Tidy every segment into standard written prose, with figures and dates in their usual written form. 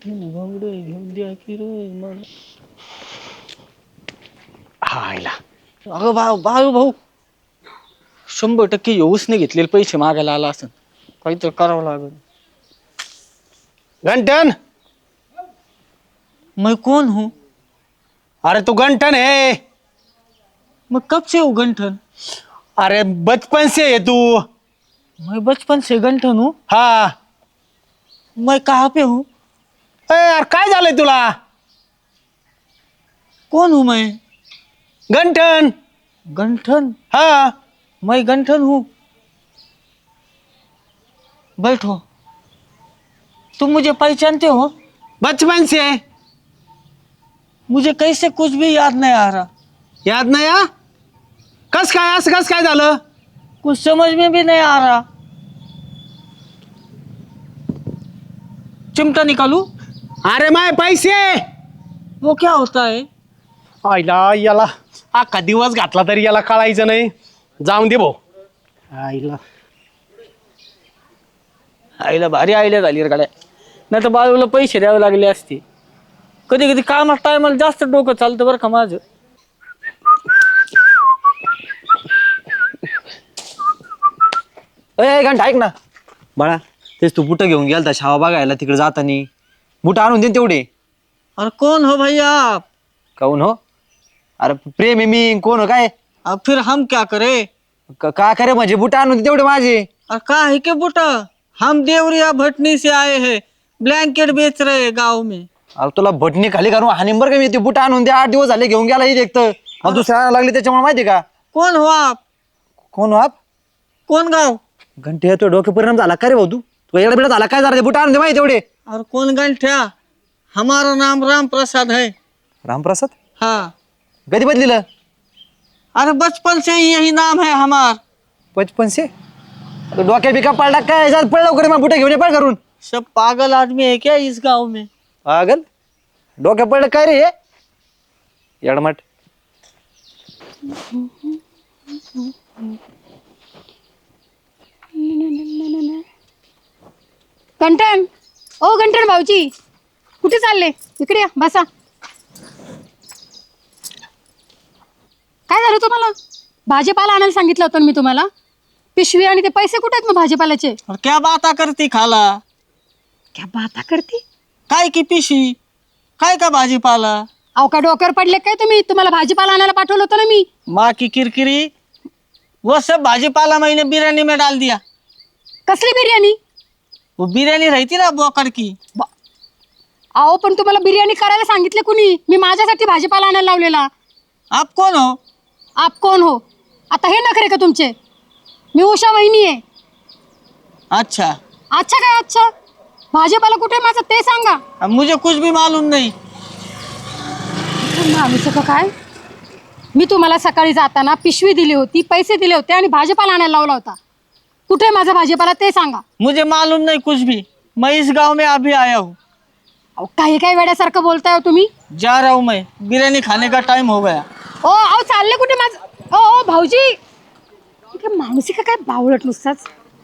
घोंगडे घेऊन द्या की रे मला. हायला अगं बाळू भाऊ 100% उसने घेतलेले पैसे मागायला आला असं काहीतरी करावं लागल. गंठन, मैं कौन हूँ? अरे तू गंठन है? मैं कब से हूँ गंठन? अरे बचपन से है तू. मैं बचपन से गंठन हूँ. हाँ. मैं कहाँ पे हूँ? यार काय झालंय तुला? कौन हूँ मैं? गंठन. गंठन? हाँ. मैं गंठन हूँ. बैठो. तुम मुझे पहचानते हो? बचपन से. मुझे कैसे कुछ भी याद नहीं आ रहा. याद नाही हा? कस काय असं कस काय झालं? कुछ समझ में भी नहीं आ रहा. चिमटा निकालू? अरे माय पैसे. वो क्या होता है? आईला याला अख्खा दिवस घातला तरी याला कळायचं नाही. जाऊन दे भाऊ. आईला आईला भारी आईला झाली रे गाड्या. नाही तर बाळूला पैसे द्यावे लागले असते. कधी कधी कामात टायमाला जास्त डोकं चालतं बरं का माझं. ए घंटा ऐक ना बाळा, तेच तू बुटं घेऊन गेलता शावा बघायला तिकडे जातानी. बुटं आणून दे तेवढे. अरे कौन हो भैया आप? काऊन हो? अरे प्रेम आहे मी, कोण हो काय? अब फिर हम क्या करे? का करे म्हणजे बुटं आणून दे तेवढे माझे. और का है के बुटा? हम देवरिया भटनी से आए हैं. ब्लैंकेट बेच रहे हैं गाँव में. अरे तुला भटणी खाली घालून हानीम बरं का मी. ते बुटं आणून दे, 8 दिवस झाले घेऊन गेला एक तर. मला दुसऱ्या आणायला लागली त्याच्यामुळे माहिती का. कौन हो आप? कोण हो आप? कौन गाँव? घंटे तो डोके परिणाम झाला का रे भाऊ? तू एवढा बिडा झाला काय झाला? ते बुटं आणून दे माहिती तेवढे. और कौन गंठ्या? हमारा नाम राम प्रसाद है. रामप्रसाद? हाँ. कधी बदलिलं? अरे बचपन से ही यही नाम है हमार. बचपन से? डोक्यात बिका पडला काय? पळ लवकर मग बुटं घेऊन ये पळ करून. सब पागल आदमी है क्या इस गांव में? पागल? डोक्यात पडलं काय रे हे? येडमट. गंठन, ओ गंठन भाऊजी, कुठे चालले? इकडे या, बसा. काय झालं तुम्हाला? भाजीपाला आणायला सांगितलं होतं ना मी तुम्हाला. पिशवी आणि ते पैसे कुठे आहेत मग भाजीपाल्याचे? और क्या बाता करती खाला? क्या बाता करते? काय की पिशवी? काय का भाजीपाला? अहो का डोक्यावर पडले काय तुम्ही? तुम्हाला भाजीपाला आणायला पाठवलं होतं ना मी. माँ की किरकिरी. वो सब भाजीपाला मैंने बिरयानी में डाल दिया. कसली बिर्याणी? वो बिरयानी रहती ना बोकड़ की. अहो पण तुम्हाला बिर्याणी करायला सांगितले कुणी? मी माझ्यासाठी भाजीपाला आणायला लावलेला. आप कौन हो? आप कोण हो? आता हे नखरे का तुमचे? मी उषा वहिनी आहे. अच्छा. अच्छा काय अच्छा? भाजीपाला कुठे आहे माझा ते सांगा. अब मुझे कुछ भी मालूम नहीं. माणूस का काय? मी तुम्हाला सकाळी जाताना पिशवी दिली होती, पैसे दिले होते आणि भाजीपाला आणायला लावला होता. कुठे आहे माझा भाजीपाला ते सांगा. मुझे मालूम नहीं कुछ भी. मैं इस गांव में अभी आया हूँ. अहो काही काही वेड्यासारखं बोलताय हो तुम्ही. जा रहा हूँ मैं. बिरयानी खाने का टाइम हो गया. ओ अहो चालले कुठे माझं? ओ भाऊजी, कुठे माणूस का काय बावळट नुसताच.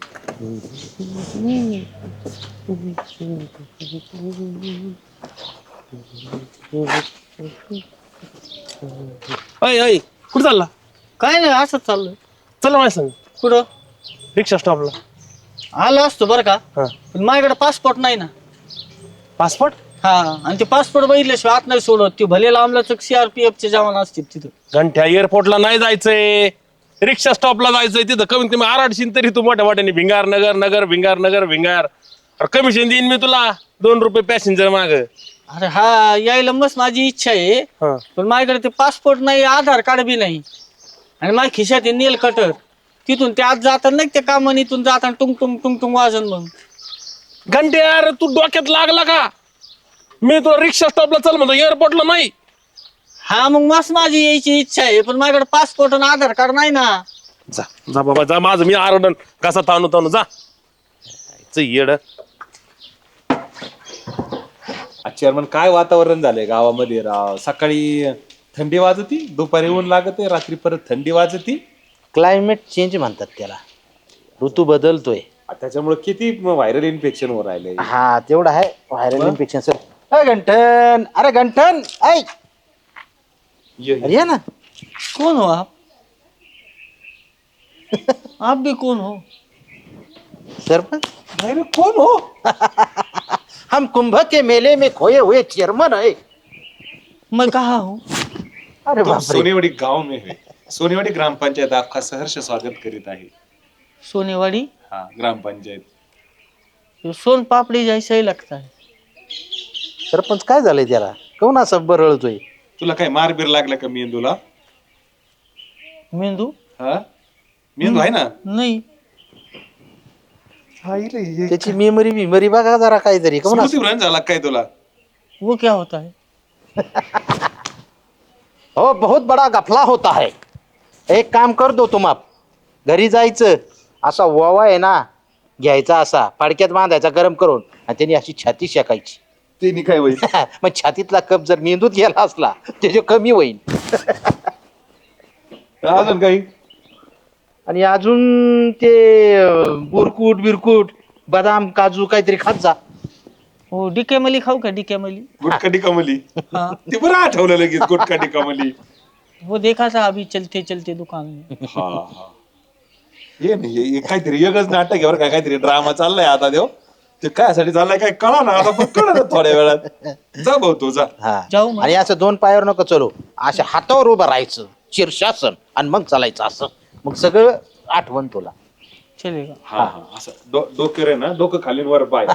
अय अय कुठं चालला? काय नाही असंच चाललंय. चला माझ्या संग कुठं? रिक्षा स्टॉपला. आलो असतो बरं का, हा. पण माझ्याकडे पासपोर्ट नाही ना. पासपोर्ट? हा, आणि ते पासपोर्ट बघितल्याशिवाय आत नाही सोडत. ते भले लांबलाच CRPF चे जवान असतील तिथं. घंट्या एअरपोर्टला नाही जायचंय, रिक्षा स्टॉपला जायचंय. तिथं कमीत कमी आराडशीन तरी तू मोठ्या मोठ्याने भिंगार नगर नगर भिंगार नगर भिंगार. कमिशन देईन मी तुला 2 रुपये पॅसेंजर माग. अरे हा, यायला मस्त माझी इच्छा आहे, हा. पण माझ्याकडे ते पासपोर्ट नाही, आधार कार्ड बी नाही, आणि माझ्या खिशात आहे नेल कटर. तिथून ते आत जातात नाही, ते कामान इथून जाताना टुंग टुंग टुंग टुंग वाजन. मग घंट्या यार तू डोक्यात लागला का? मी तुला रिक्षा स्टॉपला चल म्हणतो, एअरपोर्टला नाही. हा, मग मस्त माझी यायची इच्छा आहे, पण माझ्याकडे पासपोर्ट आणि आधार कार्ड नाही ना. जा जा बाबा जा, माझं मी आरडन कसा ताणू ताणू जा. येड चेअरमन काय वातावरण झालंय गावामध्ये राव. सकाळी थंडी वाजती, दुपारी ऊन लागते, रात्री परत थंडी वाजती. क्लायमेट चेंज म्हणतात त्याला. ऋतू बदलतोय. त्याच्यामुळे किती व्हायरल इन्फेक्शन होऊ राहिले. हा तेवढं आहे. Viral infection sir. गंठन, अरे गंठन, ऐ अरे ये ना. कौन हो आप? आप भी कौन हो? सरपंच, नाही रे, कोण हो? हम कुंभ के मेले में खोए हुए चेयरमैन है. मैं कहा हूँ? अरे तुम बापरे. सोनेवाडी गाव में है. सोनेवाडी ग्रामपंचायत आपका सहर्ष स्वागत करीत आहे. सोनेवाड़ी? हाँ, ग्रामपंचायत. ये सोन पापड़ी जैसा ही लगता है. सरपंच काय झालंय त्याला? कोण असं बरळतोय? तुला काय मारबीर लागला का मेंदूला? मेंदू? हा, मेंदू आहे ना? नहीं. त्याची मेमरी बघा जरा काहीतरी. कोण असं? स्मृतिभ्रंश झाला काय तुला? वो क्या होता है? हो, बहुत बडा गफला होता है. एक काम कर दो तुम आप. घरी जायचं, असा ओवा आहे ना घ्यायचा, असा फाडक्यात बांधायचा गरम करून, आणि त्यांनी अशी छाती शेकायची. ते काय होईल? मग छातीतला कप जर मेंदूत गेला असला त्याचे कमी होईल. अजून काही? आणि अजून ते बुरकूट बिरकूट बदाम काजू काहीतरी खात जा. वो डिकेमली खाऊ का? डिकेमली? गुटकाटी कमली. हाँ, ते बरं आठवलं लगेच, गुटकाटी कमली. वो देखा था अभी चलते चलते दुकान में. हा हा. ये नाही, हे काहीतरी वेगळंच नाटक आहे बरं का, काहीतरी ड्रामा चाललाय आता देव. ते कायसाठी चाललाय काय कळा ना आता, पण कळलं थोड्या वेळात. जा भाऊ तू जा. हा. जाऊ मग. आणि असं दोन पायावर नको चलो, अशा हातावर उभं राहायचं शीर्षासन, आणि मग चालायचं असं. मग सगळं आठवण तुला. चलेगा. हा हा, असं डोकं रे ना, डोकं खाली वर पाय.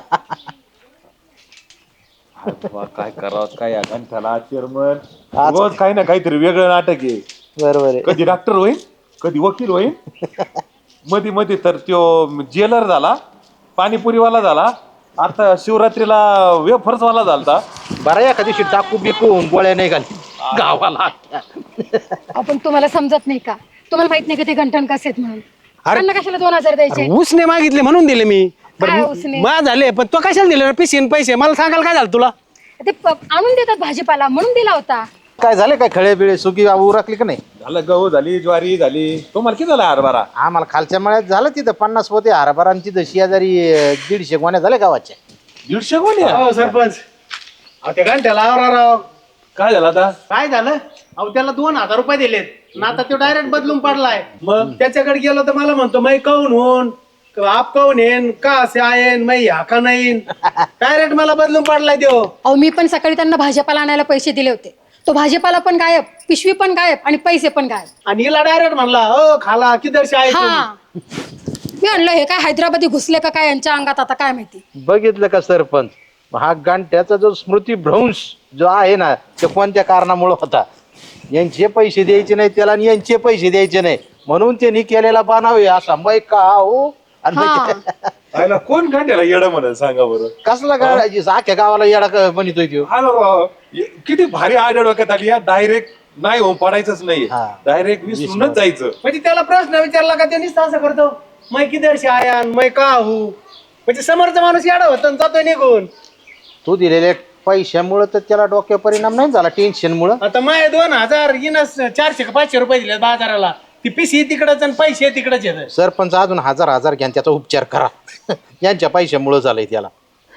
काय करावं काय या घंटाला चेअरमन, रोज काही ना काहीतरी वेगळं नाटक आहे. बरोबर आहे. कधी डॉक्टर होईल, कधी वकील होईल, मध्ये मध्ये तर त्यो जेलर झाला, पाणीपुरीवाला झाला, आता शिवरात्रीला वेफर्सवाला झालता. बरं एका दिवशी टाकू बिकून गोळ्या नाही घाली गावाला. आपण तुम्हाला समजत नाही का? तुम्हाला माहित नाही का ते गंठन कसे आहेत म्हणून? त्यांना कशाला 2000 द्यायचे? उसने मागितले म्हणून दिले मी. काय उसने? मा झाले, पण तो कशाला दिले पिशीन पैसे? मला सांगाल काय झालं तुला? ते आणून देतात भाजीपाला म्हणून दिला होता. काय झालं काय खळे बिळे सुकी उरकली का नाही? झालं, गहू झाली, ज्वारी झाली. तुम्हाला किती झाला हरभरा? आम्हाला खालच्या मळ्यात झालं तिथं 50 होते हरभरांची, तशी शेजारी 150 गोण्या झाल्या गावाच्या. 150 गोण्या? हो सरपंच, अहो त्या घंट्याला आवरा राव. काय झालं आता? काय झालं? अहो त्याला 2000 रुपये दिलेत ना, आता तो डायरेक्ट बदलून पडलाय. मग त्याच्याकडे गेलो तर मला म्हणतो मै काऊन होऊन, आप काऊन येन, का असे आयन मै ह्या का नाही. डायरेक्ट मला बदलून पडलाय देव. अहो मी पण सकाळी त्यांना भाजीपाला आणायला पैसे दिले होते. तो भाजीपाला पण गायब, पिशवी पण गायब आणि पैसे पण गायब. आणि हिला डायरेक्ट म्हणला ओ खाला किधर आहे हा, मी म्हणलं हे काय हैदराबादी घुसले का काय यांच्या अंगात, आता काय माहिती. बघितलं का सरपंच, हा गांठ्याचा जो स्मृतिभ्रंश जो आहे ना, ते कोणत्या कारणामुळे होता? यांचे पैसे द्यायचे नाही त्याला, आणि यांचे पैसे द्यायचे नाही म्हणून त्यांनी केलेला बनावे असा मै का हो. आणि हा. आयला कोण घंट्याला येडं म्हणत सांगा बरं? कसला गाडायची अख्ख्या गावाला येडा म्हणतोय तो. हॅलो राव, किती भारी आड डोक्यात आली या. डायरेक्ट नाही हो, पडायचंच नाही, हा. डायरेक्ट विसरूनच जायचं. म्हणजे त्याला प्रश्न विचारला का त्यांनीच असं करतो, मै किधर आयान मै का हो. म्हणजे समोरचा माणूस येडा होता जातोय निघून. तू दिलेल्या पैशामुळे तर त्याला डोक्यावर परिणाम नाही झाला, टेन्शन मुळे. आता माय 2000 इनस 400 का 500 रुपये दिले बाजाराला. ती पिशी तिकडच आणि पैसे तिकडच येत. सरपंच अजून 1000 घ्या, त्याचा उपचार करा. यांच्या पैशामुळे झालंय त्याला.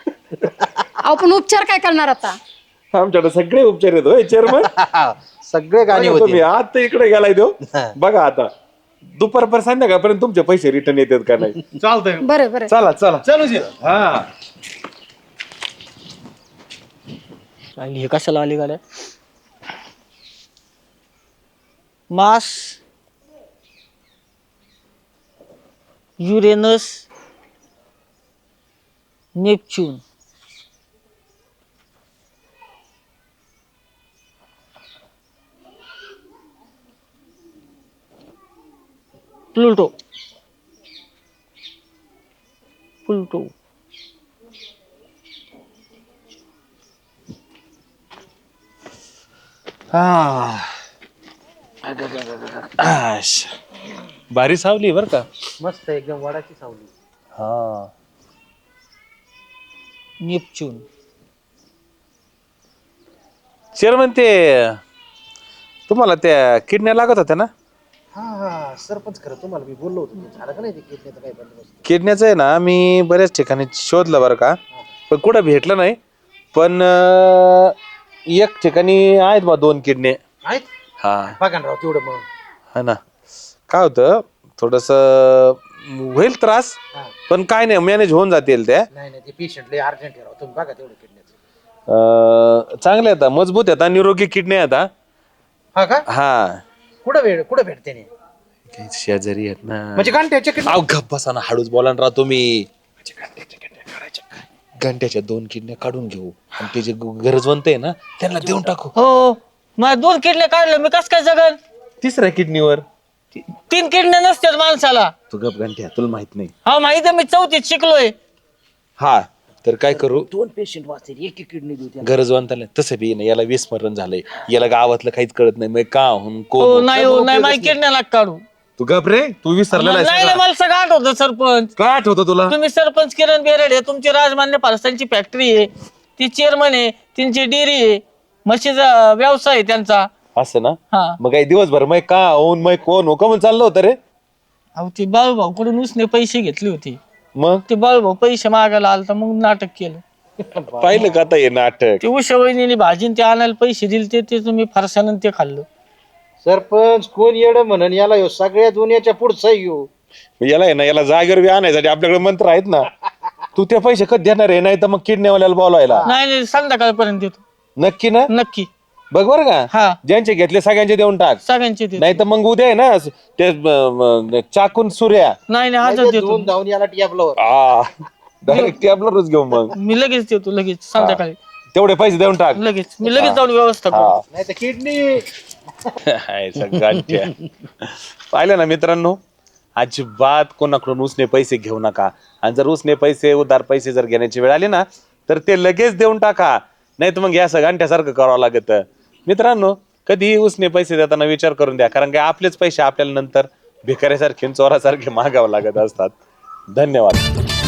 अहो पण उपचार काय करणार आता? आमच्याकडे सगळे उपचार येतो चेअरमन. सगळे गाणी तुम्ही होते. आता इकडे गेलाय तो, बघा आता दुपारपर्यंत संध्याकाळपर्यंत तुमचे पैसे रिटर्न येतात का नाही. चालतंय, बरं बरं. चला चला. चलू जे. हा, हे कशाला आली गाड्या? Mars, Uranus, Neptune, Pluto, Pluto, भारी सावली बर का. मस्त एकदम वडाची सावली. हा, नेपच्यून. चेअरमन ते तुम्हाला त्या किडण्या लागत होत्या ना? हा सरपंच, खरं तुम्हाला मी बोललो होतो, झालं का नाही ते किडनीचं काही बंदोबस्त? किडण्याचं आहे ना, मी बऱ्याच ठिकाणी शोधलं बरं का, पण कुठं भेटलं नाही. पण एक ठिकाणी आहेत बा 2 किडने. आहेत हा बघा ना राव तेवढं मग. हा ना. काय होतं थोडस होईल त्रास, पण काय नाही मॅनेज होऊन जातील त्या. नाही ते पेशंट लय अर्जंट आहे राव, तुम्ही बघा तेवढं किडनीचं. चांगले आहेत, मजबूत आहेत, निरोगी किडनी आहेत. हा का? हा कुठं भेटते नाही शेजारी आहेत ना. म्हणजे गांठ्याच्या किडनी? अहो गप्प बसा ना, हळूच बोला ना राव तुम्ही. घंट्याच्या 2 किडन्या काढून घेऊ आणि ते जे गरजवंत आहे ना त्यांना देऊन टाकू. हो माझ्या 2 किडल्या काढल्या, मी कस काय जगन? 3ऱ्या किडनीवर 3 किडण्या नसतात माणसाला. तू गप घंट्या, तुला माहित नाही. हा माहिती आहे, मी 4थीत शिकलोय. हा तर काय करू, 2 पेशंट वाचतील, एक किडनी देऊ त्यांना. गरजवंताला तसं बी नाही, याला विस्मरण झालंय, याला गावातलं काहीच कळत नाही. मग का होऊन हो कोण नाही हो नाही, माझी किडण्या लाग काढू. तू गप रे, तू विसरलेला आहेस नाही सगळं. मला सगळं आठवतं सरपंच. काय आठवतं तुला? तुम्ही सरपंच किरण बेरड आहे, तुमची राजमान्य फारसांची फॅक्टरी आहे, ती चेअरमन आहे, त्यांची डेअरी आहे, म्हशीचा व्यवसाय आहे त्यांचा. असं ना. हा मग काही दिवसभर मग का होऊन मग कोण हो का चाललं होतं रे? अहो ते बाळूभाऊ कडून उसने पैसे घेतले होते, मग ते बाळूभाऊ पैसे मागायला आलता, मग नाटक केलं. पाहिलं का आता हे नाटक? ते उषा वहिनीने भाजीन ते आणायला पैसे दिले, ते तुम्ही फारसानं ते खाल्लं. सरपंच कोण येड म्हणन याला ह्यो सगळ्या दुनियाच्या पुढचा येऊ. याला आहे ना, याला जागेवर बी आणायसाठी आपल्याकडे मंत्र आहेत ना. तू ते पैसे कधी देणार आहे? नाही तर मग किडनीवाल्याला बोलवायला. नाही नाही संध्याकाळपर्यंत देतो नक्की ना? नक्की. बघ बरं का, हा ज्यांचे घेतले सगळ्यांचे देऊन टाक. सगळ्यांचे देतो. नाही तर मग उद्या आहे ना ते चाकून सूर्या नाही नाही आजच देतो. दोन धावून याला टियाबलं. डायरेक्ट टॅबलरच घेऊ. मग मी लगेच देतो, लगेच संध्याकाळी तेवढे पैसे देऊन टाक. लगेच मी लगेच जाऊन व्यवस्था करतो. नाही तर किडनी. पाहिलं ना मित्रांनो, अजिबात कोणाकडून उसने पैसे घेऊ नका. आणि जर उसने पैसे उधार पैसे जर घेण्याची वेळ आली ना तर ते लगेच देऊन टाका, नाही तर मग या सगळ्यांसारखं करावं लागत. मित्रांनो कधीही उसने पैसे देताना विचार करून द्या, कारण की आपलेच पैसे आपल्याला नंतर भिकाऱ्यासारखे चोरासारखे मागावं लागत असतात. धन्यवाद.